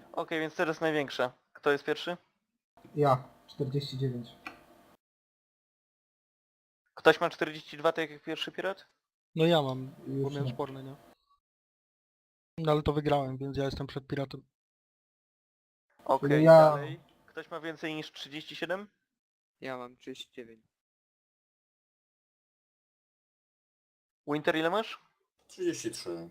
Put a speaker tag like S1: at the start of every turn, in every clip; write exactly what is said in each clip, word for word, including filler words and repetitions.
S1: Okej, więc teraz największa. Kto jest pierwszy?
S2: Ja, czterdzieści dziewięć.
S1: Ktoś ma czterdzieści dwa, tak jak pierwszy pirat?
S3: No ja mam, bo
S2: Już
S3: miałem
S2: nie.
S3: sporny, nie? No ale to wygrałem, więc ja jestem przed piratem.
S1: Okej,
S2: ja-
S1: dalej. Ktoś ma więcej niż trzydzieści siedem?
S4: Ja mam trzydzieści dziewięć.
S1: Winter, ile masz?
S5: trzydzieści trzy.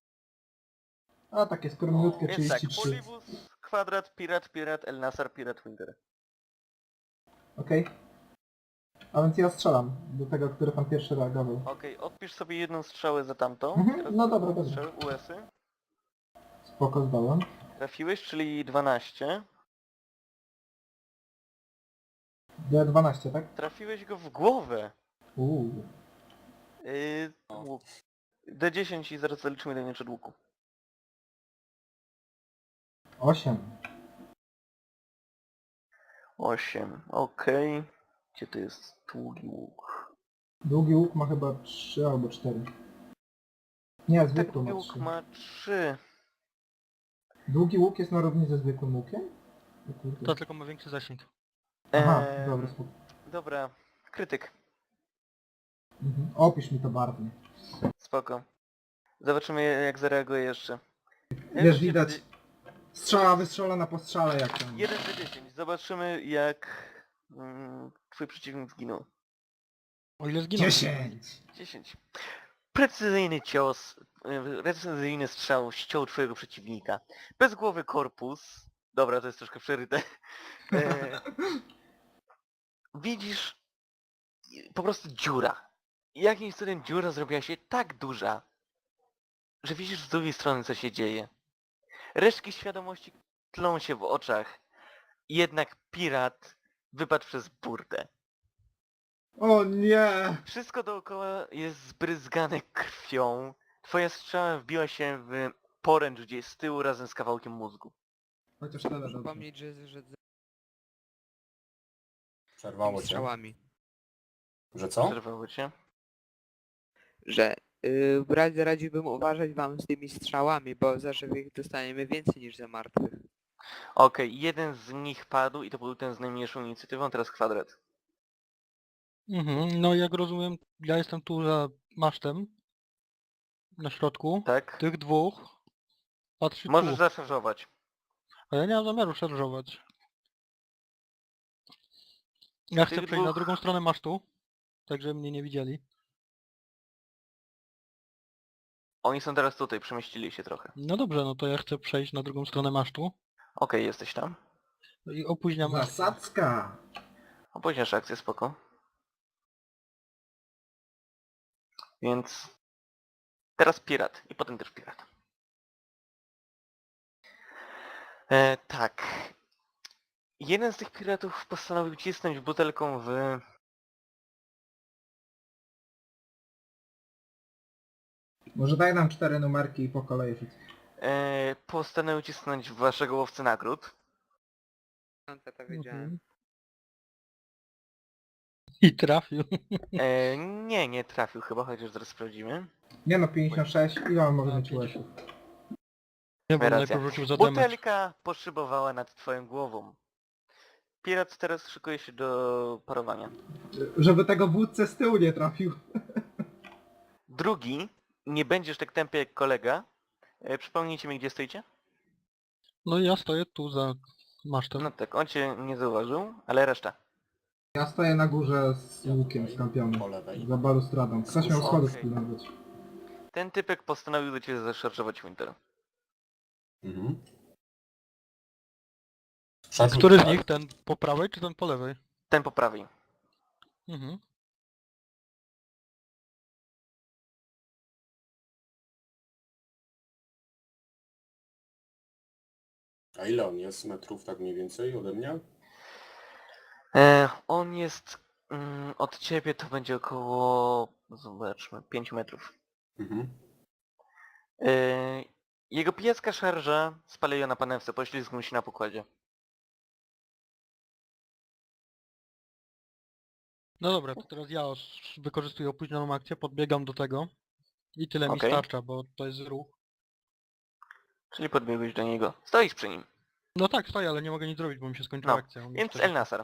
S2: A takie skromniutkie
S1: Więc tak,
S2: trzydzieści trzy.
S1: Polibus, Kwadrat, Pirat, Pirat, El Nasar, Pirat, Winter.
S2: Okej. A więc ja strzelam do tego, który pan pierwszy reagował.
S1: Okej, odpisz sobie jedną strzałę za tamtą.
S2: Mhm,
S1: Teraz
S2: no
S1: drugą
S2: dobra, dobra.
S1: strzałę, U S y.
S2: Spoko, zdałem.
S1: Trafiłeś, czyli dwanaście.
S2: D dwanaście, tak?
S1: Trafiłeś go w głowę.
S2: Uuu.
S1: Yy, łuk. D dziesięć i zaraz zaliczymy do nieczego łuku.
S2: osiem.
S1: osiem, okej. Gdzie to jest długi łuk?
S2: Długi łuk ma chyba trzy albo cztery. Nie,
S1: Tak,
S2: zwykły
S1: długi
S2: ma
S1: łuk
S2: trzy.
S1: ma trzy.
S2: Długi łuk jest na równi ze zwykłym łukiem? O kurde.
S3: To tylko ma większy zasięg.
S2: Aha,
S1: Eee,
S2: dobra, spoko.
S1: Dobra, krytyk.
S2: Mhm. Opisz mi to barwnie.
S1: Spoko. Zobaczymy jak zareaguje jeszcze.
S2: Wiesz, widać. Strzała wystrzelona po strzale jak tam.
S1: jeden do dziesięć. Zobaczymy jak mm, twój przeciwnik zginął.
S3: O ile zginął.
S2: dziesięć!
S1: dziesięć. Precyzyjny cios, y, precyzyjny strzał ściął twojego przeciwnika. Bezgłowy korpus. Dobra, to jest troszkę przeryte. E, widzisz y, po prostu dziura. Jakimś cudem dziura zrobiła się tak duża, że widzisz z drugiej strony co się dzieje. Resztki świadomości tlą się w oczach. Jednak pirat wypadł przez burtę.
S2: O nie!
S1: Wszystko dookoła jest zbryzgane krwią. Twoja strzała wbiła się w poręcz gdzieś z tyłu razem z kawałkiem mózgu.
S2: Chociaż tyle
S4: Muszę
S2: dobrze.
S4: pomnieć, że, że z
S5: Przerwało
S4: tymi
S5: cię.
S4: strzałami.
S5: Że co?
S1: Przerwało cię?
S4: Że yy, radzi, radziłbym uważać wam z tymi strzałami, bo za żywych dostaniemy więcej niż za martwych.
S1: Okej, jeden z nich padł i to był ten z najmniejszą inicjatywą, teraz kwadrat.
S3: Mhm, no jak rozumiem, ja jestem tu za masztem. Na środku.
S1: Tak?
S3: Tych dwóch. Patrzy
S1: Możesz
S3: tu.
S1: zaszarżować.
S3: A ja nie mam zamiaru szarżować. Ja chcę
S1: Tych
S3: przejść na
S1: dwóch-
S3: drugą stronę masztu. Tak, żeby mnie nie widzieli.
S1: Oni są teraz tutaj, przemieścili się trochę.
S3: No dobrze, no to ja chcę przejść na drugą stronę masztu.
S1: Okej, jesteś tam.
S3: No i opóźniam akcję.
S2: Zasadzka!
S1: Opóźniasz akcję, spoko. Więc... Teraz pirat i potem też pirat. E, tak. Jeden z tych piratów postanowił cisnąć butelką w...
S2: Może daj nam cztery numerki i po kolei rzuć.
S1: E, postanowił cisnąć w waszego łowcy nagród.
S4: Piąte to wiedziałem.
S3: Mhm. I trafił.
S1: E, nie, nie trafił chyba, chociaż zaraz sprawdzimy.
S2: Nie no, pięćdziesiąt sześć. Ile on może
S3: A,
S2: mieć
S3: pięćdziesiąt.
S2: łeków?
S3: Nie, bo
S1: Racja.
S3: najpierw rzucił za damage.
S1: Butelka poszybowała nad twoją głową. Pirat teraz szykuje się do parowania.
S2: Żeby tego wódcę z tyłu nie trafił.
S1: Drugi, nie będziesz tak tępy jak kolega. E, przypomnijcie mi, gdzie stoicie?
S3: No i ja stoję tu za masztem.
S1: No tak, on cię nie zauważył, ale reszta.
S2: Ja stoję na górze z łukiem skampiony.
S5: Po lewej.
S2: Za balustradą. Ktoś miał
S5: Okej.
S2: schody spilnować.
S1: Ten typek postanowił do ciebie zaszarżować Winter.
S5: Mhm.
S3: Który z
S5: tak.
S3: nich? Ten po prawej czy ten po lewej?
S1: Ten po prawej.
S3: Mhm.
S5: A ile on jest metrów tak mniej więcej ode mnie?
S1: E, on jest mm, od ciebie to będzie około, zobaczmy, pięć metrów.
S5: Mhm.
S1: E, jego pijacka szarża spaleje na panewce, poślizgnął się na pokładzie.
S3: No dobra, to teraz ja os- wykorzystuję opóźnioną akcję, podbiegam do tego. I tyle mi
S1: Okej.
S3: starcza, bo to jest ruch.
S1: Czyli podbiegłeś do niego. Stoisz przy nim.
S3: No tak, stoję, ale nie mogę nic zrobić, bo mi się skończyła
S1: No,
S3: akcja. On mi
S1: Więc
S3: cztery-
S1: El Nasar.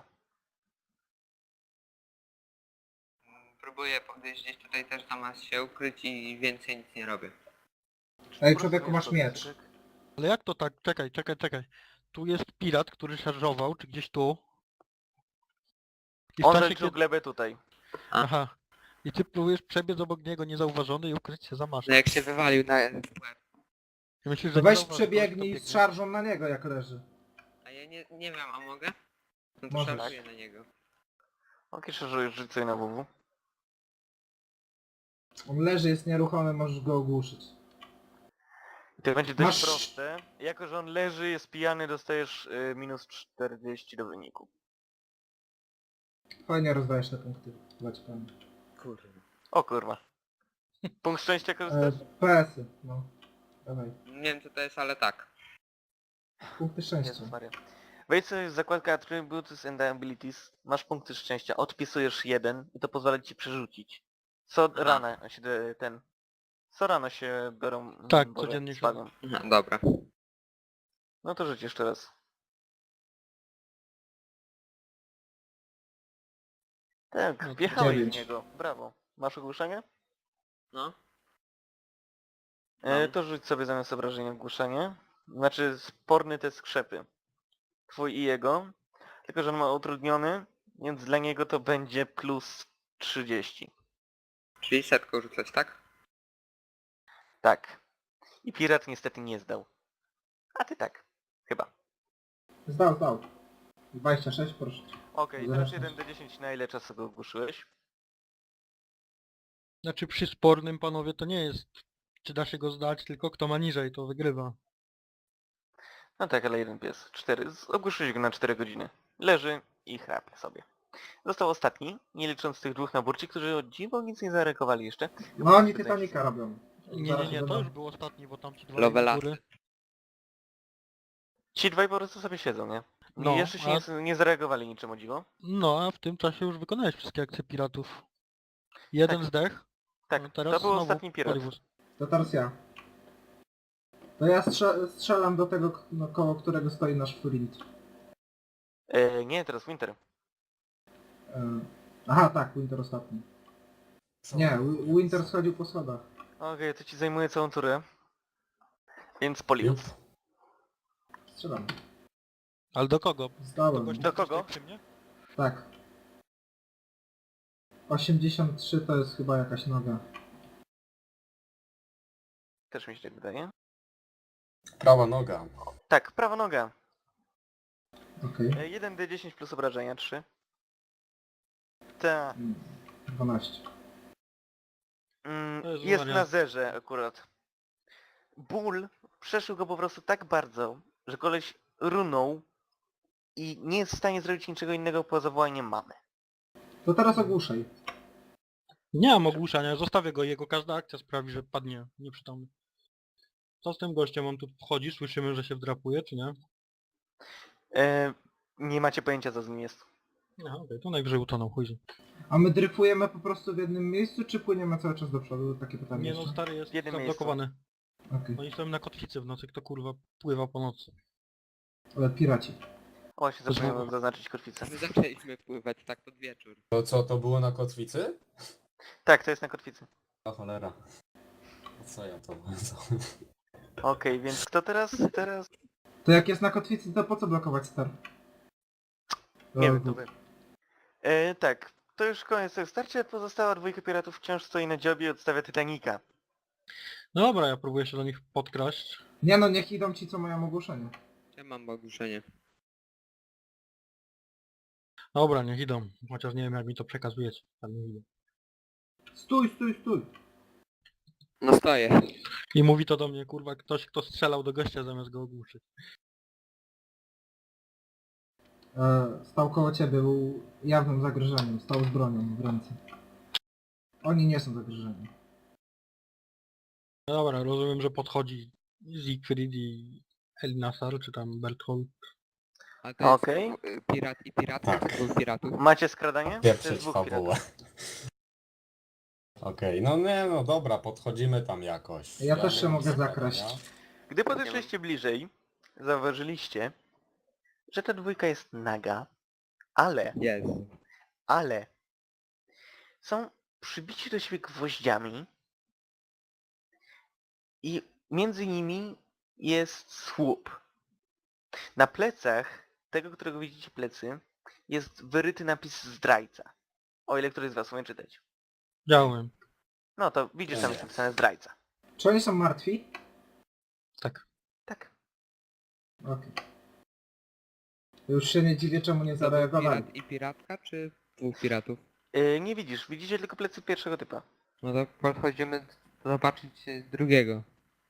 S4: Próbuję podejść gdzieś tutaj też zamiast się ukryć i więcej nic nie robię.
S2: Ej,
S1: Po prostu
S2: człowieku,
S1: wiesz,
S2: masz
S1: to
S2: miecz.
S1: cyk.
S3: Ale jak to tak? Czekaj, czekaj, czekaj. Tu jest pirat, który szarżował, czy gdzieś tu. I w
S1: On
S3: czasie,
S1: zaliczył
S3: kiedy...
S1: glebę tutaj.
S3: Aha. I ty próbujesz przebiec obok niego niezauważony i ukryć się za
S4: No
S3: masztem.
S4: jak się wywalił na łeb.
S3: I myślisz,
S2: To
S3: że nie
S2: weź
S3: zauważy,
S2: przebiegnij
S3: ktoś
S2: z
S3: to
S2: szarżą na niego, jak leży.
S4: A ja nie, nie wiem, a mogę? No to
S2: Możesz.
S4: szarżuję na niego.
S1: Okej, okay, rzuć sobie na W W.
S2: On leży, jest nieruchomy, możesz go ogłuszyć.
S1: I to będzie dość
S2: Masz-
S1: proste. Jako, że on leży, jest pijany, dostajesz y, minus czterdzieści do wyniku.
S2: Fajnie rozdajesz te punkty. Zobacz pan.
S4: Kurde.
S1: O kurwa. Punkt szczęścia
S2: E,
S1: korzystasz?
S2: P S y, no. Dawaj.
S4: Nie wiem co to jest, ale tak.
S2: Punkty szczęścia.
S1: Jezus Maria. Wejdź sobie w zakładkę Attributes and Abilities, masz punkty szczęścia, odpisujesz jeden i to pozwala ci przerzucić. Co
S4: Aha.
S1: rano się de- ten... Co rano się biorą... mm,
S3: Tak,
S1: Boże,
S3: codziennie się-
S1: spadną.
S4: No dobra.
S1: No to rzuć jeszcze raz. Tak,
S3: No to
S1: wjechałeś w
S2: dziewięć.
S1: niego. Brawo. Masz ogłuszenie?
S4: No.
S1: E,
S4: Mam.
S1: to rzuć sobie zamiast obrażenia ogłuszenie. Znaczy sporny te skrzepy. Twój i jego. Tylko, że on ma utrudniony, więc dla niego to będzie plus trzydzieści.
S4: Czyli setką rzucać, tak?
S1: Tak. I pirat niestety nie zdał. A ty tak. Chyba.
S2: Zdał, zdał. dwadzieścia sześć, proszę.
S1: Okej, teraz
S2: Zresztą.
S1: jeden do dziesięciu na ile czasu go ogłuszyłeś?
S3: Znaczy przy spornym, panowie, to nie jest czy da się go zdać, tylko kto ma niżej, to wygrywa.
S1: No tak, ale jeden pies. Cztery. Z- Ogłuszyłeś go na cztery godziny. Leży i chrapie sobie. Został ostatni, nie licząc tych dwóch naburci, którzy o dziwo nic nie zareagowali jeszcze.
S2: No oni Titanica robią.
S3: Nie,
S2: Zaraz
S3: nie, nie,
S2: się
S3: to
S2: będą-
S3: już był ostatni, bo tam ci dwa
S4: Lovelasy.
S3: góry.
S1: Ci dwaj po prostu sobie siedzą, nie?
S3: No,
S1: No, jeszcze się
S3: a-
S1: nie, nie zareagowali niczym o dziwo.
S3: No, a w tym czasie już wykonałeś wszystkie akcje piratów. Jeden
S1: Tak.
S3: zdech.
S1: Tak,
S3: no teraz
S1: to był
S3: znowu
S1: ostatni pirat.
S3: Polibus.
S2: To teraz ja. To ja strze strzelam do tego, k- no, koło którego stoi nasz Flint.
S1: E, nie, teraz Winter.
S2: E, aha, tak, Winter ostatni. Nie, Wi- Winter schodził po schodach.
S1: Okej, to ci zajmuje całą turę. Więc Polius.
S5: Jup.
S2: Strzelam.
S3: Ale do kogo? Do,
S2: Zdałem.
S3: gościa,
S1: Do
S3: który
S1: kogo?
S3: stoi przy mnie?
S2: Tak. osiemdziesiąt trzy to jest chyba jakaś noga.
S1: Też mi się tak wydaje.
S5: Prawa noga.
S1: Tak, prawa noga.
S2: Okej.
S1: E, jeden d dziesięć plus obrażenia, trzy. Ta.
S2: Mm, dwanaście.
S1: Mm,
S3: Jezu
S1: jest
S3: Maria.
S1: na zerze akurat. Ból przeszył go po prostu tak bardzo, że koleś runął i nie jest w stanie zrobić niczego innego poza wołaniem mamy.
S2: To teraz ogłuszaj.
S3: Nie mam ogłuszania, zostawię go, jego każda akcja sprawi, że padnie nieprzytomny. Co z tym gościem? On tu wchodzi, słyszymy, że się wdrapuje, czy nie?
S1: E, nie macie pojęcia co z nim jest.
S3: Aha, okej, to najwyżej utonął, chuj. z nim.
S2: A my dryfujemy po prostu w jednym miejscu, czy płyniemy cały czas do przodu? Takie pytanie
S3: Nie no,
S2: jeszcze.
S3: stary jest
S1: W jednym
S3: zablokowany.
S2: Okej.
S3: Oni stoją na kotwicy w nocy, kto kurwa pływa po nocy.
S2: Ale piraci.
S1: O, właśnie
S3: To
S1: zapomniałem
S3: znowu-
S1: zaznaczyć kotwicę.
S4: My zaczęliśmy pływać tak pod wieczór.
S5: To co, to było na kotwicy?
S1: Tak, to jest na kotwicy.
S5: O cholera. No co ja to...
S1: Okej, więc kto teraz? Teraz...
S2: To jak jest na kotwicy, to po co blokować star?
S1: Nie
S2: Dobra,
S1: wiem, to wy. E, tak, to już koniec tego starcia. Pozostała dwójka piratów wciąż stoi na dziobie i odstawia Titanica.
S3: No dobra, ja próbuję się do nich podkraść.
S2: Nie no, niech idą ci, co mają ogłoszenie.
S4: Ja mam ogłuszenie.
S3: Dobra, niech idą. Chociaż nie wiem jak mi to przekazujecie. Tam nie idę.
S2: Stój, stój, stój!
S4: No stoję.
S3: I mówi to do mnie, kurwa, ktoś kto strzelał do gościa zamiast go ogłuszyć.
S2: E, stał koło ciebie, był jawnym zagrożeniem, stał z bronią w ręce. Oni nie są zagrożeni.
S3: No dobra, rozumiem, że podchodzi Siegfried i El Nasar, czy tam Berthold.
S4: A to
S1: Okej.
S4: jest y, pirat i pirat,
S5: Tak.
S4: czy dwóch piratów?
S1: Macie skradanie? To jest
S5: Pieprzyć
S1: dwóch
S5: fabułę.
S1: piratów.
S5: Okej, no nie, no dobra, podchodzimy tam jakoś.
S2: Ja też
S5: nie
S2: się
S5: mam
S2: mogę
S5: skradania.
S2: zakraść.
S1: Gdy podeszliście bliżej, zauważyliście, że ta dwójka jest naga, ale,
S4: Jest.
S1: ale są przybici do siebie gwoździami i między nimi jest słup. Na plecach tego, którego widzicie plecy, jest wyryty napis zdrajca. O ile któryś z was umie czytać.
S3: Działałem.
S1: No to widzisz, tam
S5: Nie.
S1: jest napisane zdrajca.
S2: Czy oni są martwi?
S3: Tak.
S1: Tak.
S2: Okej. Już się nie dziwię, czemu nie
S4: To był
S2: zareagowali.
S4: pirat i piratka, czy dwóch piratów?
S1: Yy, nie widzisz, widzicie tylko plecy pierwszego typa.
S4: No to podchodzimy zobaczyć e, drugiego.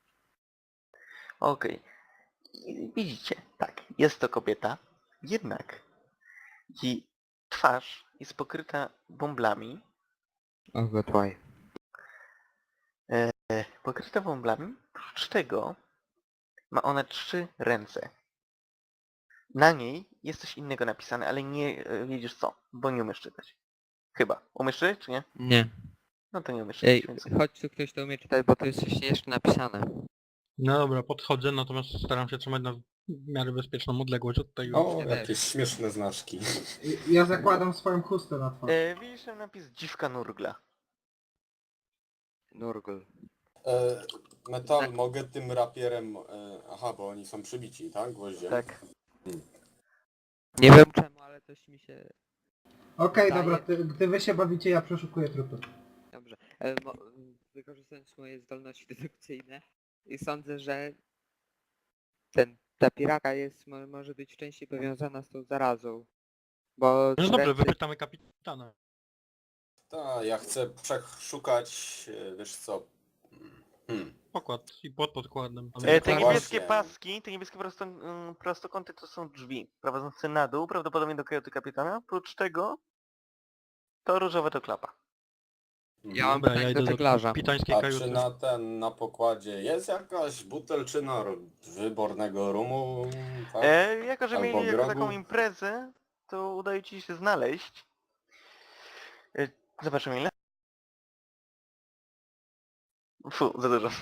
S1: Okej. I widzicie, tak, jest to kobieta, jednak jej twarz jest pokryta bąblami,
S4: O, gotwaj.
S1: e, pokryta bąblami, oprócz tego ma ona trzy ręce. Na niej jest coś innego napisane, ale nie e, wiedziesz co, bo nie umiesz czytać. Chyba. Umiesz czytać, czy nie?
S4: Nie.
S1: No to nie umiesz czytać,
S4: Ej,
S1: więc...
S4: chodź tu ktoś to umie czytać, bo to jest coś jeszcze napisane.
S3: No dobra, podchodzę, natomiast staram się trzymać na w miarę bezpieczną odległość od tej...
S5: O,
S4: też.
S5: jakieś śmieszne znaczki.
S2: I- Ja zakładam swoją chustę na twarz.
S1: E, widzisz tam napis dziwka nurgla.
S4: Nurgle.
S5: E, metal,
S4: Tak.
S5: mogę tym rapierem... E, aha, bo oni są przybici, tak? Gwoździem?
S1: Tak.
S4: Nie wiem czemu, ale coś mi się...
S2: Okej,
S4: daje-
S2: dobra, ty, gdy wy się bawicie, ja przeszukuję trupy.
S4: Dobrze. E, mo... Wykorzystując moje zdolności dedukcyjne i sądzę, że ten, ta piraka jest, mo, może być częściej powiązana z tą zarazą. Bo
S3: No dobrze,
S4: ręce-
S3: wypytamy kapitana.
S5: Tak, ja chcę przeszukać, e, wiesz co... Hmm.
S3: Pokład i pod podkładem.
S1: E, te
S5: No
S1: niebieskie
S5: właśnie.
S1: paski, te niebieskie prosto, mm, prostokąty to są drzwi prowadzące na dół, prawdopodobnie do kajuty kapitana. Oprócz tego to różowe to klapa.
S4: Ja mam
S3: Dobra, ja
S4: pytanie
S3: idę
S4: do
S3: do
S4: żeglarza.
S3: kapitańskiej
S5: A
S3: kajuty.
S5: czy na ten, na pokładzie jest jakaś butelczyna ro- wybornego rumu? Tak?
S1: E, jako, że
S5: Albo
S1: mieli jako taką
S5: grogu?
S1: imprezę, to udaje ci się znaleźć. E, zobaczymy ile. Fu, za dużo.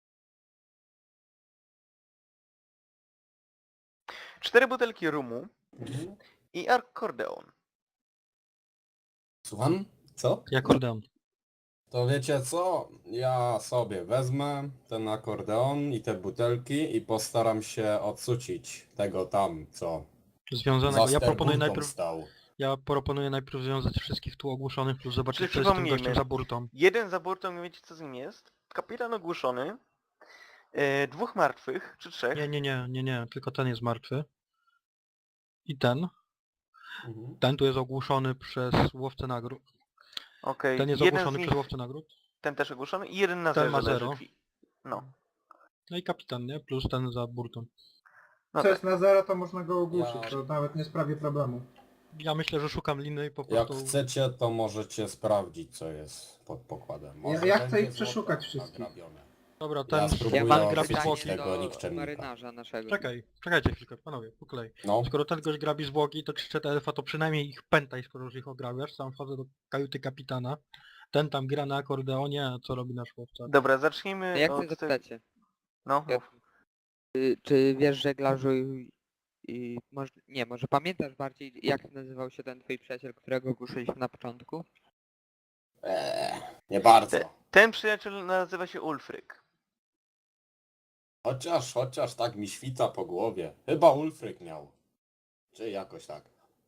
S1: Cztery butelki rumu
S5: Mhm.
S1: i akordeon.
S5: Słucham? Co?
S3: I akordeon.
S5: To wiecie co? Ja sobie wezmę ten akordeon i te butelki i postaram się odsucić tego tam, co
S3: Związanego.
S5: za
S3: Ja proponuję
S5: sterburtą
S3: najpierw...
S5: stał.
S3: Ja proponuję najpierw związać wszystkich tu ogłoszonych, plus zobaczyć
S1: Czyli
S3: co jest z tym
S1: przypomnijmy.
S3: gościem za burtą.
S1: Jeden za burtą, nie wiecie co z nim jest. Kapitan ogłuszony. E, dwóch martwych, czy trzech.
S3: Nie, nie, nie, nie, nie, tylko ten jest martwy. I ten.
S5: Mhm.
S3: Ten tu jest ogłuszony przez łowcę nagród.
S1: Okej,
S3: Ten jest
S1: jeden z
S3: ogłuszony
S1: nich,
S3: przez łowcę nagród.
S1: ten też ogłuszony i jeden na
S3: Ten
S1: zerze
S3: ma
S1: leży
S3: zero.
S1: krwi. No.
S3: No i kapitan, nie? Plus ten za burtą.
S1: No
S2: Co
S1: tak.
S2: jest na zero, to można go ogłuszyć,
S5: Ja-
S2: to nawet nie sprawi problemu.
S3: Ja myślę, że szukam liny i po
S5: Jak
S3: prostu...
S5: chcecie, to możecie sprawdzić, co jest pod pokładem. Może
S2: ja chcę
S5: będzie
S2: ich przeszukać
S5: złoto
S2: wszystkich.
S5: nagrabione.
S3: Dobra,
S5: Ja
S3: ten...
S5: spróbuję
S4: Ja
S3: ten
S4: mam
S5: odkryć
S3: grabi
S4: pytanie
S3: zwłoki.
S5: tego
S4: do
S5: nikczemnika.
S4: marynarza naszego.
S3: Czekaj, czekajcie chwilkę, panowie, po kolei.
S5: No,
S3: Skoro ten gość grabi zwłoki, to krzyczę do elfa, to przynajmniej ich pętaj, skoro już ich ograbiasz. Sam wchodzę do kajuty kapitana. Ten tam gra na akordeonie, a co robi nasz łowca?
S1: Dobra, zacznijmy
S4: No jak
S1: od...
S4: chcę zapytać cię,
S1: No, mów.
S4: czy, czy wiesz żeglarzu i, i może, nie, może pamiętasz bardziej jak nazywał się ten twój przyjaciel, którego ogłuszyliśmy na początku?
S5: eee, nie bardzo.
S1: Ten przyjaciel nazywa się Ulfryk.
S5: Chociaż, chociaż tak mi świta po głowie. Chyba Ulfryk miał. Czy jakoś tak.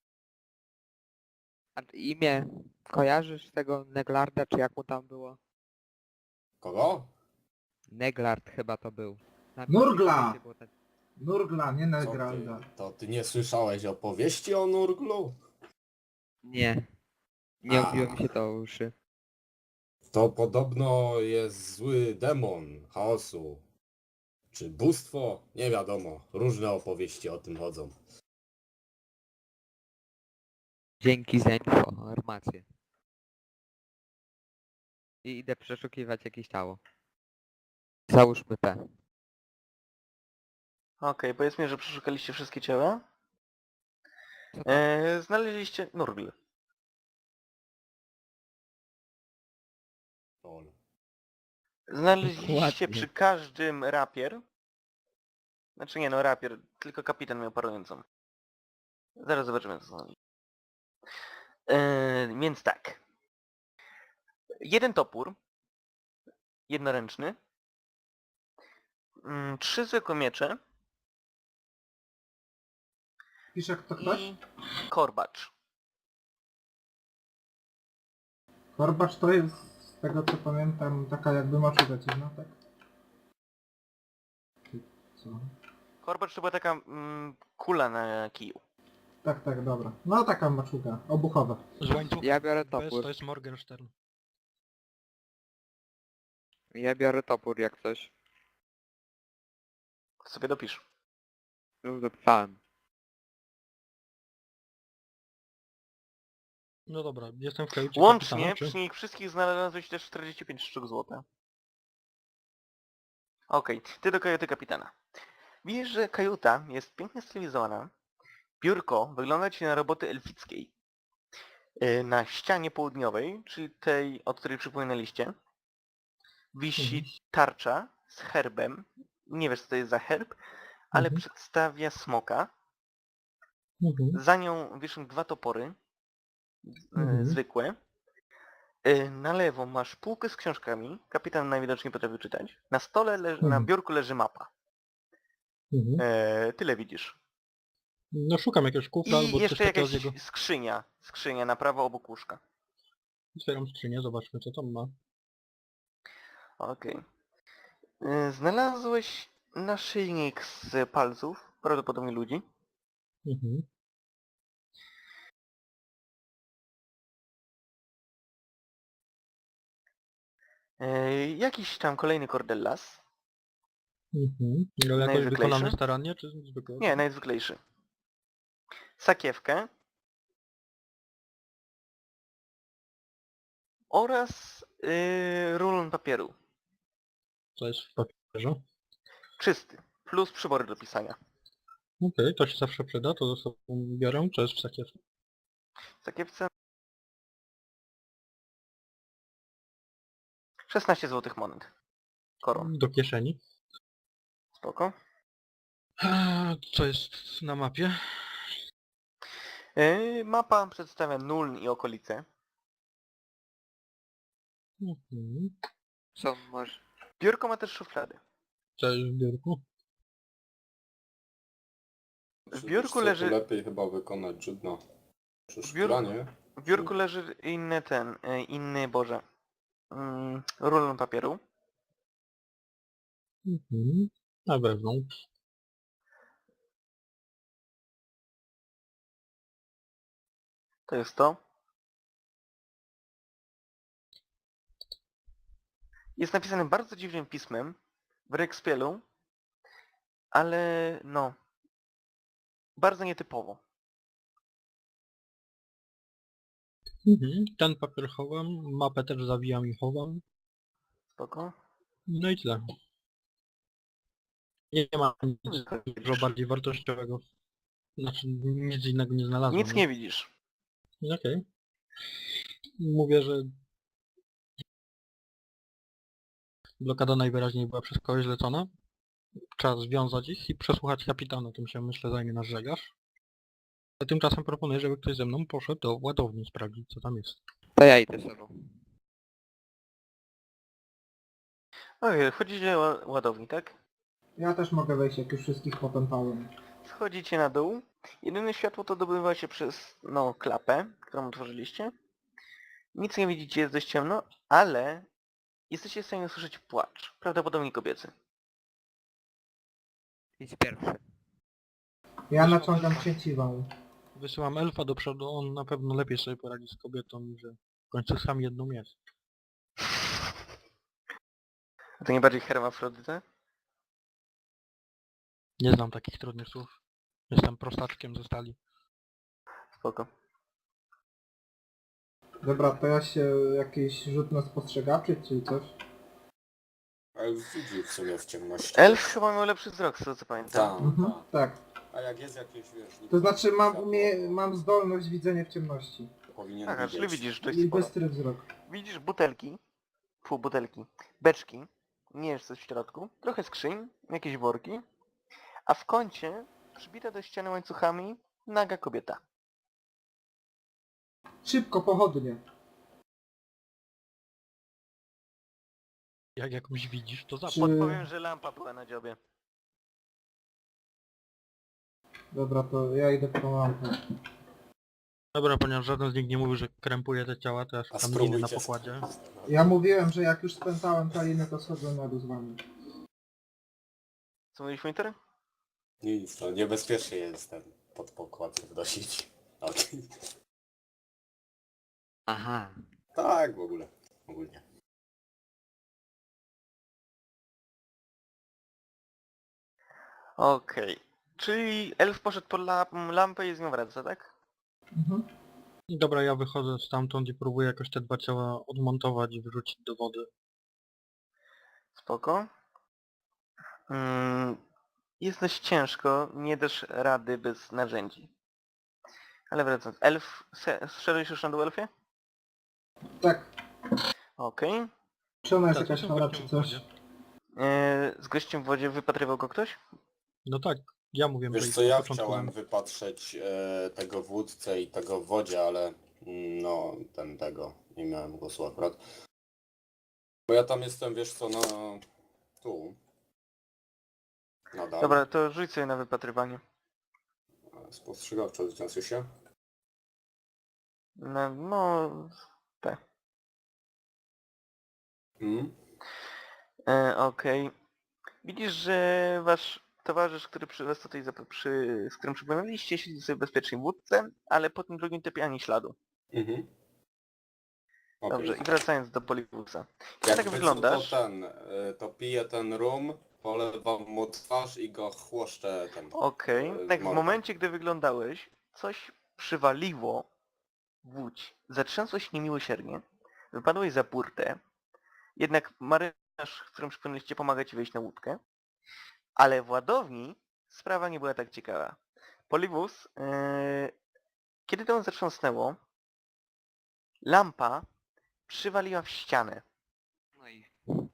S4: A imię kojarzysz tego Neglarda, czy jak mu tam było?
S5: Kogo?
S4: Neglard chyba to był. Na
S2: Nurgla!
S4: piśmie było tak-
S2: Nurgla, nie
S5: Co
S2: Negralda.
S5: ty, to ty nie słyszałeś opowieści o Nurglu?
S4: Nie. Nie
S5: A.
S4: obiło mi się to o uszy.
S5: To podobno jest zły demon chaosu. Czy bóstwo? Nie wiadomo. Różne opowieści o tym chodzą.
S4: Dzięki za informację. I idę przeszukiwać jakieś ciało. Załóżmy P.
S1: Okej, powiedzmy, że przeszukaliście wszystkie ciała.
S4: Co tam?
S1: E, znaleźliście Nurgl.
S5: Lol.
S1: Znaleźliście
S4: Dokładnie.
S1: przy każdym rapier. Znaczy nie no, rapier, tylko kapitan miał parującą. Zaraz zobaczymy co są. Eee, więc tak. Jeden topór. Jednoręczny. Mm, trzy zwykłe miecze.
S2: Pisze kto ktoś?
S1: I korbacz.
S2: Korbacz to jest, z tego co pamiętam, taka jakby maczuga dziwna, tak? Czy co?
S1: Korbacz to była taka mm, kula na kiju.
S2: Tak, tak, dobra. No taka maczuga, obuchowa.
S3: Z łańcucha
S4: Ja biorę
S3: to jest,
S4: topór.
S3: to jest Morgenstern.
S4: Ja biorę topór jak coś.
S1: Sobie dopisz.
S4: Już dopisałem.
S3: No dobra, jestem w kajucie
S1: Łącznie
S3: kapitana,
S1: przy
S3: czy...
S1: nich wszystkich znalazłeś też czterdzieści pięć sztuk złota. Okej, ty do kajuty kapitana. Widzisz, że kajuta jest pięknie stylizowana. Biurko wygląda ci na roboty elfickiej. Yy, Na ścianie południowej, czyli tej, od której przypłynęliście, wisi
S3: Mhm.
S1: tarcza z herbem. Nie wiesz co to jest za herb, ale
S3: Mhm.
S1: przedstawia smoka.
S3: Mhm.
S1: Za nią wiszą dwa topory. yy,
S3: Mhm.
S1: Zwykłe. Yy, Na lewo masz półkę z książkami. Kapitan najwidoczniej potrafi czytać. Na stole, leży, na
S3: Mhm.
S1: biurku leży mapa.
S3: Mhm.
S1: Yy, Tyle widzisz.
S3: No szukam jakiegoś kufra
S1: I
S3: albo coś
S1: jeszcze
S3: takiego
S1: jakaś
S3: z jego...
S1: skrzynia. Skrzynia na prawo obok łóżka.
S3: Otwieram skrzynię, zobaczmy co tam ma.
S1: Okej. Yy, Znalazłeś naszyjnik z palców, prawdopodobnie ludzi.
S3: Mhm.
S1: Yy, Jakiś tam kolejny kordellas.
S3: Mhm. Ale jakoś
S1: Najzwyklejszy?
S3: wykonany starannie, czy zwykle?
S1: Nie, najzwyklejszy. Sakiewkę. Oraz yy, rulon papieru.
S3: Co jest w papierze?
S1: Czysty. Plus przybory do pisania.
S3: Okej, to się zawsze przyda, to ze sobą biorę, co jest w sakiewce.
S1: W sakiewce szesnaście złotych monet. Koron.
S3: Do kieszeni.
S1: Spoko.
S3: A, co jest na mapie?
S1: Yy, Mapa przedstawia Nuln i okolice.
S3: Mhm.
S4: Co może...
S1: Biurko ma też szuflady.
S3: Co jest w biurku?
S1: W
S5: Czy
S1: biurku
S5: wiesz co, to
S1: leży...
S5: lepiej chyba wykonać żydno. Przy
S1: biurku-
S5: szklanie.
S1: W biurku leży inny ten, yy, inny, Boże, mm, rulon papieru.
S3: Mhm. Na wewnątrz.
S1: To jest to. Jest napisane bardzo dziwnym pismem w Rekspielu, ale no, bardzo nietypowo.
S3: Mhm. Ten papier chowam, mapę też zawijam i chowam.
S1: Spoko.
S3: No i tyle. Nie ma nic dużo bardziej wartościowego. Znaczy nic innego nie znalazłem.
S1: Nic nie widzisz.
S3: No. Okej. Mówię, że blokada najwyraźniej była przez kogoś zlecona. Trzeba związać ich i przesłuchać kapitana, tym się myślę zajmie nasz żeglarz. A tymczasem proponuję, żeby ktoś ze mną poszedł do ładowni sprawdzić co tam jest.
S4: To ja idę sobą.
S1: Okej, wchodzicie do ła- ładowni, tak?
S2: Ja też mogę wejść, jak już wszystkich popętałem.
S1: Schodzicie na dół. Jedyne światło to dobywa się przez, no, klapę, którą otworzyliście. Nic nie widzicie, jest dość ciemno, ale jesteście w stanie usłyszeć płacz. Prawdopodobnie kobiecy.
S4: Idź pierwszy.
S2: Ja
S3: Wyszło
S2: naciągam
S3: elfa.
S2: sieciwą.
S3: Wysyłam elfa do przodu, on na pewno lepiej sobie poradzi z kobietą, że w końcu sam jedną jest.
S1: A to nie bardziej hermafrodyta?
S3: Nie znam takich trudnych słów. Jestem prostaczkiem ze stali.
S1: Spoko.
S2: Dobra, to ja się jakiś rzut na spostrzegawczy, czy coś?
S5: Elf widzi w sumie w ciemności.
S1: Elf chyba miał lepszy wzrok, z tego co pamiętam.
S5: Tak,
S2: Mhm,
S5: tak.
S2: tak.
S5: A jak jest jakieś, wiesz...
S2: To znaczy mam,
S5: światło,
S2: umie... mam zdolność widzenia w ciemności.
S5: to Powinien
S1: Aha, czyli
S5: widzieć.
S1: widzisz dość
S2: I
S1: sporo.
S2: bystry wzrok.
S1: Widzisz butelki, pół butelki, beczki, nie wiesz co w środku, trochę skrzyń, jakieś worki, a w kącie, przybite do ściany łańcuchami, naga kobieta.
S2: Szybko, pochodnie.
S3: Jak jakąś widzisz, to
S2: Czy...
S3: zapłać.
S1: Podpowiem, że lampa była na dziobie.
S2: Dobra, to ja idę po tą lampę.
S3: Dobra, ponieważ żaden z nich nie mówi, że krępuje te ciała, to ja
S5: A
S3: szukam liny na
S5: spróbujcie
S3: pokładzie.
S5: sprawdzić.
S2: Ja mówiłem, że jak już spętałem taliny, to schodzę na dół z wami.
S1: Co mówisz, Winter?
S5: Nic, to niebezpiecznie jest ten pod pokład wnosić. O,
S4: Aha.
S5: tak, w ogóle. Ogólnie.
S1: Okej. Czyli elf poszedł po la lampę i z nią wraca, tak?
S2: Mhm.
S3: I dobra, ja wychodzę stamtąd i próbuję jakoś te dwa ciała odmontować i wyrzucić do wody.
S1: Spoko. Mm, jest dość ciężko, nie dasz rady bez narzędzi. Ale wracając, elf... se- Zszedłeś już na dół, elfie?
S2: Tak.
S1: Okej.
S2: Czy ona jest
S3: Tak,
S2: jakaś
S3: to
S2: chora,
S3: gościem
S2: czy
S3: w
S2: coś?
S3: wodzie.
S1: Eee, z gościem w wodzie wypatrywał go ktoś?
S3: No tak, ja mówię, że
S5: Wiesz
S3: ich
S5: co,
S3: na
S5: ja
S3: początku
S5: chciałem
S3: mam.
S5: wypatrzeć e, tego wódcę i tego w wodzie, ale mm, no, ten tego, nie miałem głosu akurat. Bo ja tam jestem, wiesz co, no, tu. Nadal.
S1: Dobra, to rzuć sobie na wypatrywanie.
S5: Spostrzegawczo zniosę się.
S1: No, no...
S5: Mm.
S1: E, Okej. Widzisz, że wasz towarzysz, który przy was tutaj, zap- przy, z którym przypłynęliście, siedzi sobie bezpiecznie w łódce, ale po tym drugim typie ani śladu.
S5: Mhm. Okej.
S1: Dobrze, i wracając do Poliwusa. Jak
S5: Jakby
S1: tak wyglądasz?
S5: Co, to ten, y, to piję ten rum, polewam mu twarz i go chłoszczę ten.
S1: Okej,
S5: e,
S1: tak w
S5: mordę.
S1: momencie, gdy wyglądałeś, coś przywaliło w łódź. Zatrzęsło się niemiłosiernie, wypadłeś za burtę, jednak marynarz, z którym przypłynęliście, pomaga ci wejść na łódkę, ale w ładowni sprawa nie była tak ciekawa. Poliwus, yy, kiedy to zatrząsnęło, lampa przywaliła w ścianę.
S4: No i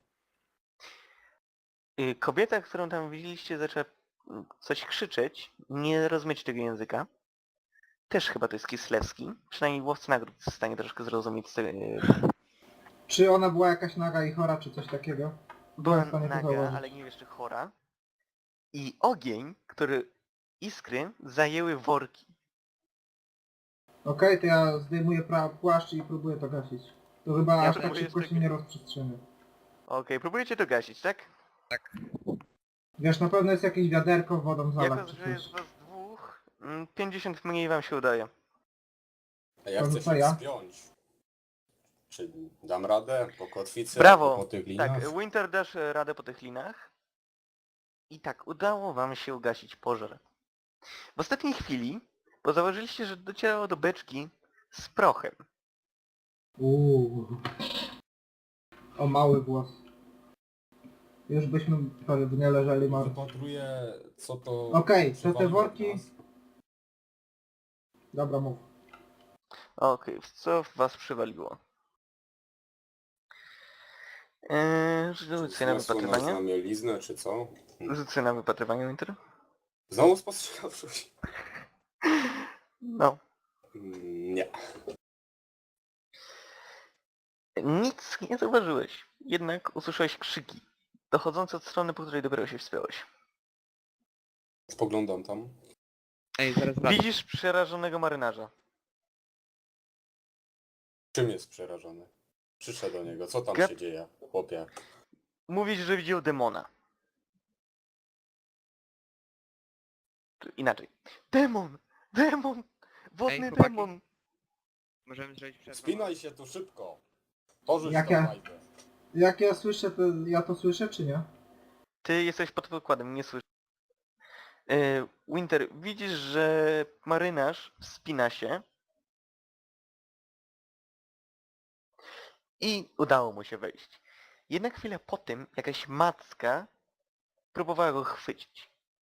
S1: Yy, kobieta, którą tam widzieliście, zaczęła mm, coś krzyczeć, nie rozumieć tego języka. Też chyba to jest Kislewski, przynajmniej łowca nagród jest w stanie troszkę zrozumieć z tego. Yy,
S2: Czy ona była jakaś naga i chora, czy coś takiego?
S1: była
S2: Byłem w stanie to
S1: naga,
S2: zauważyć.
S1: ale nie jeszcze chora. I ogień, który iskry zajęły worki.
S2: Okej, to ja zdejmuję pra- płaszcz i próbuję to gasić. To chyba
S1: Ja
S2: aż tak
S1: próbuję
S2: szybko się
S1: jeszcze-
S2: nie rozprzestrzeni.
S1: Okej, próbujecie to gasić, tak?
S2: Wiesz, na pewno jest jakieś wiaderko wodą
S1: Jako,
S2: zalać, czy
S1: że jest
S2: coś.
S1: was dwóch, mm, pięćdziesiąt mniej wam się udaje.
S5: A ja
S2: To
S5: chcę
S2: co
S5: się
S2: ja?
S5: wspiąć. Czy dam radę po kotwicy
S1: Brawo!
S5: albo po tych linach?
S1: Tak, Winter dasz e, radę po tych linach. I tak, udało wam się ugasić pożar. W ostatniej chwili, bo zauważyliście, że docierało do beczki z prochem.
S2: Uuu. O mały głos. Już byśmy pewnie leżeli martwi.
S5: Wypatruję, co to...
S2: Okej, to te
S5: przywaliło w
S2: worki-
S5: nas.
S2: Dobra, mów.
S1: Okej, w co was przywaliło? Eee,
S5: Czy
S1: rzuć sobie na
S5: zniosło nas na
S1: wypatrywanie.
S5: mieliznę, czy co?
S1: Rzuć sobie na wypatrywanie, Winter.
S5: Znowu spostrzegawczość?
S1: No.
S5: Mm, Nie.
S1: Nic nie zauważyłeś, jednak usłyszałeś krzyki, dochodzące od strony, po której dopiero się wspiąłeś.
S5: Spoglądam tam.
S4: Ej, zaraz wracam.
S1: Widzisz przerażonego marynarza.
S5: Czym jest przerażony? Przyszedł do niego. Co tam
S1: Gad-
S5: się dzieje, chłopie?
S1: Mówisz, że widział demona. Czy inaczej. Demon! Demon! Wodny
S4: chłopaki.
S1: demon!
S4: Możemy zrobić przerwę.
S5: Spinaj się tu szybko. Porzuć
S2: Jak
S5: tą
S2: ja-
S5: łajbę.
S2: Jak ja słyszę, to ja to słyszę, czy nie?
S1: Ty jesteś pod pokładem, nie słyszysz. Yy, Winter, widzisz, że marynarz wspina się i udało mu się wejść. Jednak chwilę po tym jakaś macka próbowała go chwycić.